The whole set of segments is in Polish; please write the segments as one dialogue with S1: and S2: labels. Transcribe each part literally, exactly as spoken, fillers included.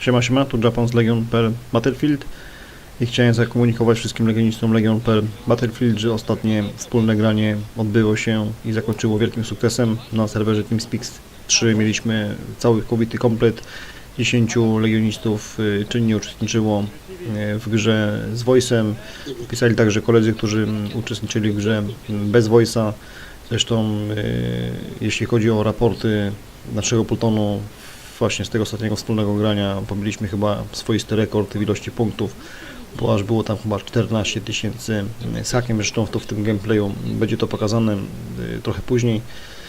S1: Siema, siema, tu Japan z Legion kropka p l Battlefield i chciałem zakomunikować wszystkim legionistom Legion kropka p l Battlefield, że ostatnie wspólne granie odbyło się i zakończyło wielkim sukcesem. Na serwerze TeamSpeak trzy mieliśmy cały całkowity komplet. dziesięciu legionistów czynnie uczestniczyło w grze z voice'em. Pisali także koledzy, którzy uczestniczyli w grze bez voice'a. Zresztą jeśli chodzi o raporty naszego plutonu, właśnie z tego ostatniego wspólnego grania pobiliśmy chyba swoisty rekord w ilości punktów, bo aż było tam chyba czternaście tysięcy z hakiem. Zresztą to w tym gameplayu będzie to pokazane trochę później.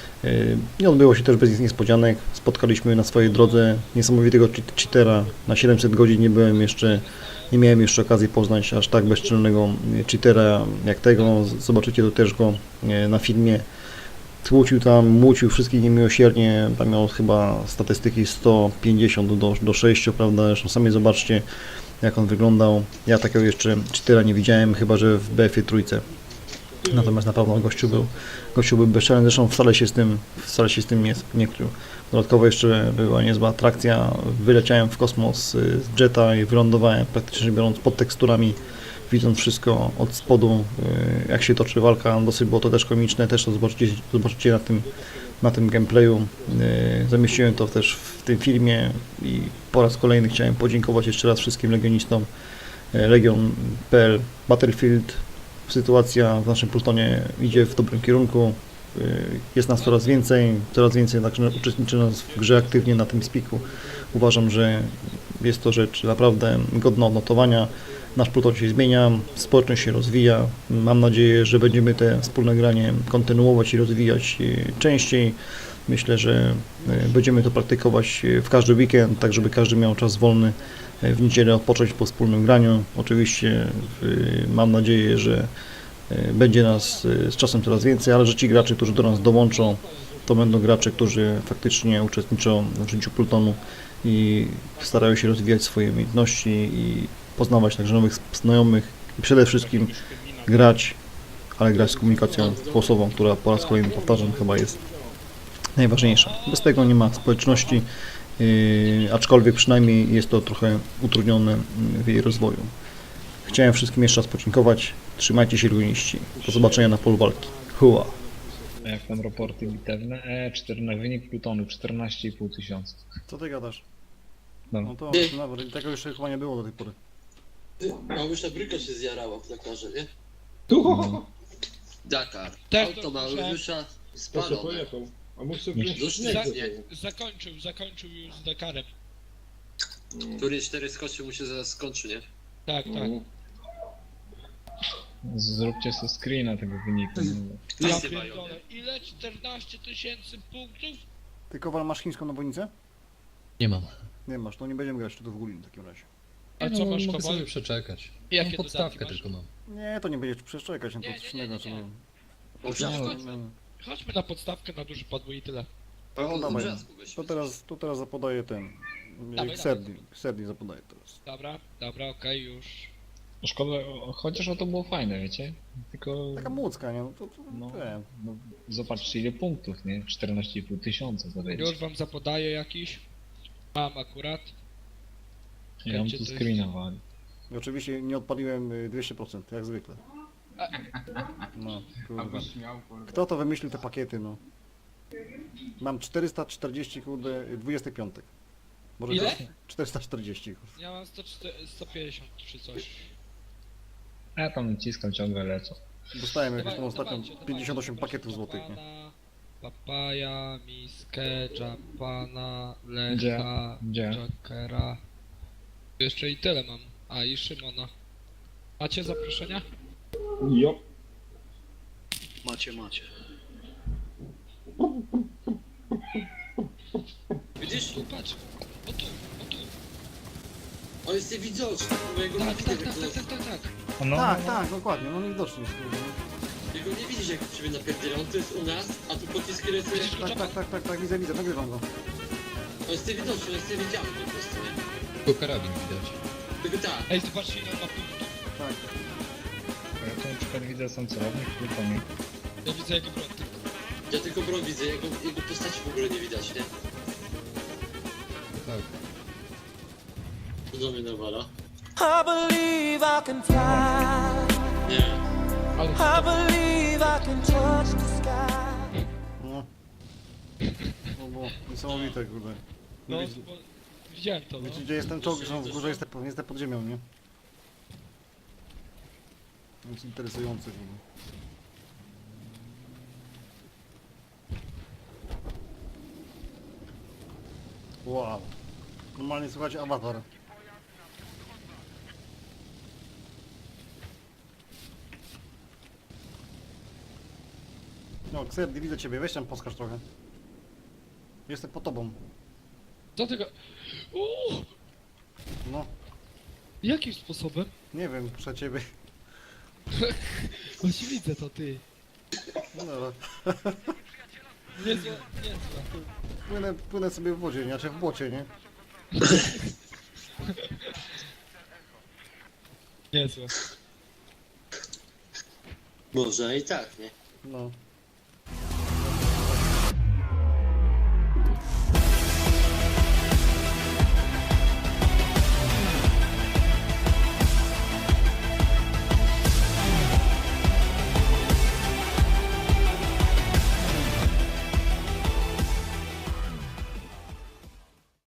S1: Nie odbyło się też bez niespodzianek. Spotkaliśmy na swojej drodze niesamowitego cheatera. Na siedemset godzin nie byłem jeszcze, nie miałem jeszcze okazji poznać aż tak bezczelnego cheatera jak tego. Zobaczycie to też go na filmie. Tłucił tam, mucił wszystkich niemiłosiernie, tam miał chyba statystyki sto pięćdziesiąt do, do sześciu, prawda, zresztą sami zobaczcie jak on wyglądał. Ja takiego jeszcze cheatera nie widziałem, chyba że w B F-ie trójce. Natomiast na pewno gościu był, gościu był bezczelny, zresztą wcale się z tym, wcale się z tym nie, nie krył. Dodatkowo jeszcze była niezła atrakcja, wyleciałem w kosmos z jeta i wylądowałem praktycznie biorąc pod teksturami, widząc wszystko od spodu, jak się toczy walka. Dosyć było to też komiczne, też to zobaczycie, zobaczycie na tym, na tym gameplayu. Zamieściłem to też w tym filmie i po raz kolejny chciałem podziękować jeszcze raz wszystkim legionistom Legion kropka p l Battlefield. Sytuacja w naszym plutonie idzie w dobrym kierunku, jest nas coraz więcej, coraz więcej także uczestniczy nas w grze aktywnie na tym spiku. Uważam, że jest to rzecz naprawdę godna odnotowania. Nasz pluton się zmienia, społeczność się rozwija. Mam nadzieję, że będziemy te wspólne granie kontynuować i rozwijać częściej. Myślę, że będziemy to praktykować w każdy weekend, tak żeby każdy miał czas wolny w niedzielę odpocząć po wspólnym graniu. Oczywiście mam nadzieję, że będzie nas z czasem coraz więcej, ale że ci gracze, którzy do nas dołączą, to będą gracze, którzy faktycznie uczestniczą w życiu plutonu i starają się rozwijać swoje umiejętności i poznawać także nowych znajomych i przede wszystkim grać, ale grać z komunikacją głosową, która po raz kolejny powtarzam chyba jest najważniejsza. Bez tego nie ma społeczności, yy, aczkolwiek przynajmniej jest to trochę utrudnione w jej rozwoju. Chciałem wszystkim jeszcze raz podziękować. Trzymajcie się, legionści. Do zobaczenia na polu walki. Hua!
S2: Jak tam raporty bitewne? E, czternaście, wynik plutonu czternaście i pół tysiąca.
S1: Co ty gadasz?
S2: No.
S1: No to nawet tego jeszcze chyba nie było do tej pory.
S3: Małysza bryka się zjarała w Dakarze, nie?
S2: No.
S3: Dakar.
S4: Tak,
S3: Auto
S4: to
S3: Małysza
S5: To co
S3: spalone.
S5: pojechał? A mógł sobie
S2: Nie.
S5: wziąć
S3: Za-
S5: śnieg ze
S3: nie.
S5: sobą.
S4: Zakończył, zakończył już z Dakarem.
S3: Który cztery skoczy mu się zaraz skończy, nie?
S4: Tak, tak.
S5: No.
S2: Zróbcie sobie screena tego wyniku.
S4: Ja
S3: Wszyscy mają,
S4: pierdolę.
S3: nie?
S4: Ile? czternaście tysięcy punktów?
S1: Ty, Kowal, masz chińską nawodnicę?
S6: Nie mam.
S1: Nie masz, to nie będziemy grać tu do Wugulin w takim razie.
S4: A
S6: A
S4: co
S6: co
S4: masz,
S6: mogę
S4: Kowal?
S6: sobie przeczekać.
S4: Jakie
S6: Mam podstawkę
S4: dodatki masz?
S6: tylko mam.
S1: Nie, to nie będziesz przeszczekać, no to
S4: Nie,
S1: coś
S4: nie, nie,
S1: innego.
S4: nie,
S1: co
S4: nie.
S1: nie-
S3: O brzasku.
S1: No,
S4: Chodźmy na podstawkę na duży podwój i tyle.
S3: O, o
S1: dawaj.
S3: brzasku gościu.
S1: To teraz, to teraz zapodaję ten.
S4: Dawaj,
S1: Serdi, Serdi zapodaję teraz.
S4: Dobra, dobra, okej, już.
S2: Szkoda, o- chociaż o to było fajne, wiecie? Tylko...
S1: Taka młódzka, nie? No to, to
S2: No,
S1: wiem.
S2: no, zobaczcie ile punktów, nie? czternaście i pół tysiąca to będzie.
S4: Już wam zapodaję jakiś. Mam akurat.
S2: Ja mam
S4: Gdzie
S2: tu
S4: to jest?
S2: screena wali.
S1: I oczywiście nie odpaliłem y, dwieście procent, jak zwykle. No, kurwa. Kto to wymyślił te pakiety, no? Mam czterysta czterdzieści, kurde, dwudziesty piąty. Może
S4: Ile?
S1: też czterysta czterdzieści, kurde.
S4: Ja mam sto czterdzieści, sto pięćdziesiąt czy coś.
S2: Ja tam naciskam, ciągle lecą.
S1: Dostałem jakieś tam
S4: Dawaj-
S1: ostatnio
S4: dawajcie, dawajcie,
S1: pięćdziesiąt osiem
S4: proszę,
S1: pakietów złotych, nie?
S4: Japana, Papaja, Miskę, Japana,
S2: Gdzie?
S4: Lecha,
S2: Gdzie?
S4: Jokera. Jeszcze i tyle mam. A i Szymona. Macie zaproszenia?
S5: Jo.
S3: Macie, macie. Widzisz?
S4: Tu patrz. O tu, o tu.
S3: On jest niewidoczny, mojego
S4: Tak,
S3: nie
S4: tak,
S3: widzę,
S4: tak, tak, tak, tak, tak.
S2: No,
S1: Tak, tak, dokładnie, no niewidocznie jest, kurde.
S3: Jego nie widzisz jak ciebie napierdziela, on to jest u nas, a tu pociski lecą.
S4: Widzisz go,
S1: Tak, tak, tak, tak, tak, widzę, widzę, nagrywam go.
S3: On jest niewidoczny, on jest niewidzialny po prostu, nie?
S6: Tylko karabin widać.
S3: Tylko tak.
S4: Ej, zobaczcie ile on ma punktów.
S1: Tak.
S2: Ja tu na przykład widzę sam celownik, plutonik.
S4: Ja widzę jego broń tylko.
S3: Ja tylko broń widzę, jego, jego postaci w ogóle nie widać, nie?
S6: Tak.
S3: To do mnie nawala.
S7: I believe I can fly.
S3: Nie.
S4: Ale
S7: I believe I can touch the sky.
S1: No. No bo niesamowite, kurde.
S4: no,
S1: Wiecie,
S4: bo widziałem to, no.
S1: wiecie gdzie jest ten czołg, że są w górze, jestem, jestem pod ziemią, nie? To jest interesujące, kurde. Wow. Normalnie słuchajcie, awatar. No, Kseb, nie widzę ciebie, weź tam poskacz trochę. Jestem po tobą.
S4: Do tego... Uuu,
S1: No,
S4: jakim sposobem?
S1: nie wiem, przed ciebie.
S4: Właśnie widzę to, ty.
S1: No dobra.
S4: Niezła, niezła.
S1: Płynę, płynę sobie w wodzie, nie? Znaczy w błocie, nie?
S4: Niezła.
S3: Może i tak, nie?
S1: No.